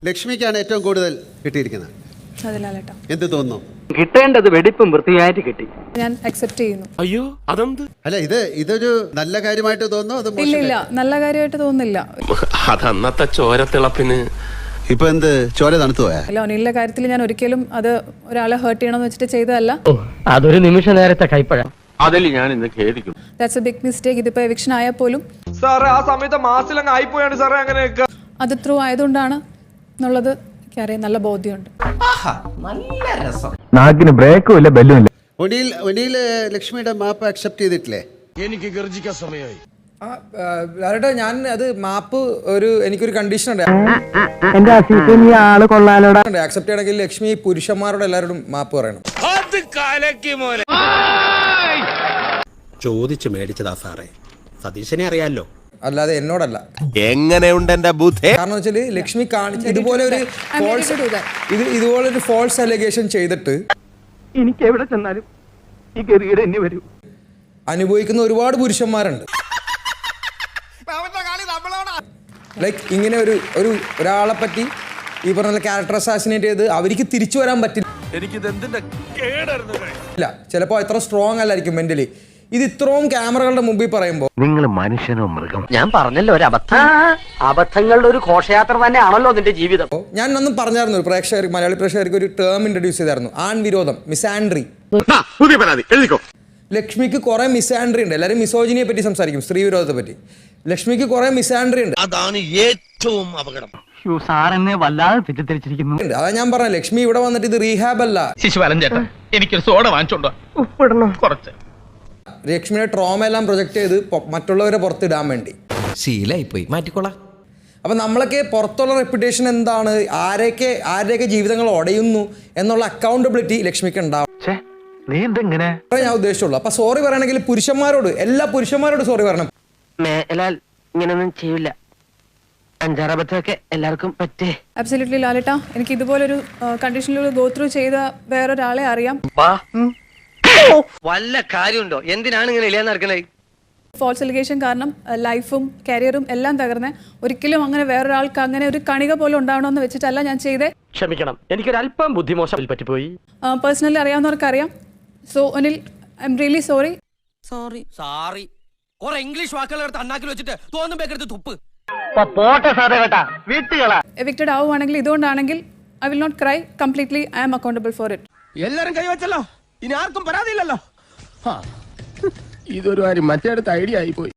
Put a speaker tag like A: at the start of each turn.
A: ലക്ഷ്മിക്കാണ് ഏറ്റവും കൂടുതൽ കിട്ടിയിരിക്കുന്നത്. എന്ത് തോന്നുന്നു?
B: കിട്ടേണ്ടത് വെടിപ്പും വൃത്തിയായിട്ട് കിട്ടി.
C: ഞാൻ അക്സെപ്റ്റ് ചെയ്യുന്നു.
D: അയ്യോ അതെന്ത്?
A: അല്ല, ഇതൊരു നല്ല കാര്യമായിട്ട് തോന്നുന്നു? അത്
C: ഇല്ല, നല്ല കാര്യമായിട്ട് തോന്നുന്നില്ല.
D: അതന്നത്തെ ചോരത്തിളപ്പിന്
A: ഇപ്പൊ എന്ത് ചോര തണുത്തു പോയാ?
C: അല്ല, ഒനിലെ കാര്യത്തിൽ ഞാൻ ഒരിക്കലും അത് ഒരാളെ ഹേർട്ട് ചെയ്യണമെന്ന് വെച്ചിട്ട് ചെയ്തതല്ല.
B: അതൊരു നിമിഷ നേരത്തെ കൈപ്പഴ.
D: അതിൽ ഞാൻ ഇന്ന് ഖേദിക്കും.
C: That's a big mistake. ഇതിപ്പോ എവിക്ഷൻ ആയാൽ പോലും
E: സാറേ ആ സമയത്ത് മാസിലങ്ങ് ആയിപ്പോയാണ് സാറേ. അങ്ങനെയൊക്കെ
C: അത് ത്രൂ ആയതുകൊണ്ടാണ് എന്നുള്ളത് എനിക്കറിയാം. നല്ല ബോധ്യമുണ്ട്.
B: നാക്കിന് ബ്രേക്കും ഇല്ല, ബെല്ലും ഇല്ല.
A: ഒനിയിൽ ലക്ഷ്മിയുടെ മാപ്പ് അക്സെപ്റ്റ് ചെയ്തിട്ടില്ലേ?
D: എനിക്ക് ഗർജിക്കാൻ സമയമായി.
E: ഞാൻ അത് മാപ്പ് എനിക്കൊരു കണ്ടീഷൻ ഉണ്ട്. ആക്സെപ്റ്റ് ചെയ്യണമെങ്കിൽ ലക്ഷ്മി പുരുഷന്മാരോട് എല്ലാവരോടും മാപ്പ് പറയണം.
F: ചോദിച്ചു മേടിച്ചതാ സാറേ, സതീശനെ അറിയാലോ.
E: അല്ലാതെ എന്നോടല്ല.
F: എങ്ങനെയുണ്ട് എന്റെ ബുദ്ധി? കാരണം
E: വെച്ചാല് ലക്ഷ്മി കാണിച്ച ഇതുപോലൊരു ഫോൾസ് അലിഗേഷൻ ചെയ്തിട്ട്
B: എനിക്ക് എവിടെ ചെന്നാലും ഈ ഗതികേട് എന്നെ വരൂ.
E: അനുഭവിക്കുന്ന ഒരുപാട് പുരുഷന്മാരുണ്ട്. ലൈക്ക് ഇങ്ങനെ ഒരാളെ പറ്റി ഈ പറഞ്ഞ ക്യാരക്ടർ അസാസിനേറ്റ് ചെയ്ത് അവർക്ക് തിരിച്ചു വരാൻ പറ്റില്ല. ചിലപ്പോ എത്ര സ്ട്രോങ് അല്ലായിരിക്കും മെന്റലി. ഇത് ഇത്രയും ക്യാമറകളുടെ മുമ്പിൽ പറയുമ്പോ
B: നിങ്ങൾ മനുഷ്യനോ മൃഗം? ഞാൻ പറഞ്ഞല്ലോ, ഒരു അബദ്ധങ്ങളുടെ ഒരു ഘോഷയാത്ര തന്നെയാണല്ലോ നിന്റെ ജീവിതം.
E: ഞാൻ ഒന്നും പറഞ്ഞായിരുന്നു, മലയാളി പ്രേക്ഷകർക്ക് ഒരു ടേം ഇൻട്രൊഡ്യൂസ് ചെയ്തായിരുന്നു, ആൺവിരോധം, മിസാൻഡ്രി. ലക്ഷ്മിക്ക് കുറെ മിസാൻഡ്രി ഉണ്ട്. എല്ലാവരും മിസോജിനിയെ പറ്റി സംസാരിക്കും, സ്ത്രീ വിരോധത്തെ പറ്റി. ലക്ഷ്മിക്ക് കുറെ മിസാൻഡ്രി ഉണ്ട്.
F: അതാണ് ഏറ്റവും അപകടം.
B: സാറെന്നെ വല്ലാതെ തെറ്റിദ്ധരിച്ചിരിക്കുന്നു.
E: അതാ ഞാൻ പറഞ്ഞ, ലക്ഷ്മി ഇവിടെ വന്നിട്ട് ഇത് റീഹാബ് അല്ല.
D: ശിശുപാലൻ ചേട്ടാ, എനിക്കൊരു സോഡ വാങ്ങിച്ചോണ്ടോ?
B: ഉപ്പിടണം
D: കുറച്ച്.
E: ലക്ഷ്മിയുടെ ട്രോമ എല്ലാം പ്രൊജക്ട് ചെയ്ത് മറ്റുള്ളവരെ പുറത്തിടാൻ വേണ്ടി
F: ശീലായി പോയി, മാറ്റിക്കോളാം.
E: അപ്പൊ നമ്മളൊക്കെ പുറത്തുള്ള റെപ്യൂട്ടേഷൻ എന്താണ്, ആരുടെയൊക്കെ ജീവിതങ്ങൾ ഒടയുന്നു എന്നുള്ള അക്കൗണ്ടബിലിറ്റി ലക്ഷ്മിക്ക് ഉണ്ടാവും.
B: നീ എന്തെങ്ങനെ
E: ഞാൻ ഉദ്ദേശിച്ചുള്ളൂ. അപ്പൊ സോറി പറയണമെങ്കിൽ എല്ലാ പുരുഷന്മാരോട് സോറി പറയണം.
B: ഇങ്ങനൊന്നും ചെയ്യില്ല. അഞ്ചാറബത്തൊക്കെ എല്ലാവർക്കും പറ്റേ.
C: അബ്സല്യൂട്ട്ലി ലാലേട്ടാ, എനിക്ക് ഇതുപോലൊരു കണ്ടീഷനിലൂടെ ഗോ ത്രൂ ചെയ്ത വേറൊരാളെ അറിയാം.
B: വല്ല കാര്യമുണ്ടോ? എന്തിനാണ് ഇങ്ങനെ ഇല്ലാന്ന് നടക്കണേ?
C: ഫോൾസ് അലിഗേഷൻ കാരണം ലൈഫും കരിയറും എല്ലാം തകർന്ന് ഒരിക്കലും അങ്ങനെ വേറൊരാൾക്ക് അങ്ങനെ ഒരു കണിക പോലും ഉണ്ടാവണമെന്ന് വെച്ചിട്ടല്ല ഞാൻ ചെയ്തേ.
B: ക്ഷമിക്കണം, എനിക്കൊരല്പം ബുദ്ധിമോശം പറ്റിപ്പോയി.
C: പേഴ്സണലി അറിയാവുന്നവർക്ക് അറിയാം. സോ ഒനിൽ, I am really sorry.
F: Sorry കുറെ ഇംഗ്ലീഷ് വാക്കുകൾ എടുത്ത് അണ്ണാക്കിൽ വെച്ചിട്ട് തോന്നുമ്പോ തുപ്പ്.
C: എവിക്റ്റഡ് ആവുകയാണെങ്കിൽ ഇതുകൊണ്ടാണെങ്കിൽ I will not cry. Completely I am accountable for it.
D: എല്ലാരും കൈവച്ചല്ലോ, ഇനി ആർക്കും പരാതിയില്ലല്ലോ. ഇതൊരു കാര്യം മറ്റേ അടുത്ത് ഐഡിയ ആയി പോയി.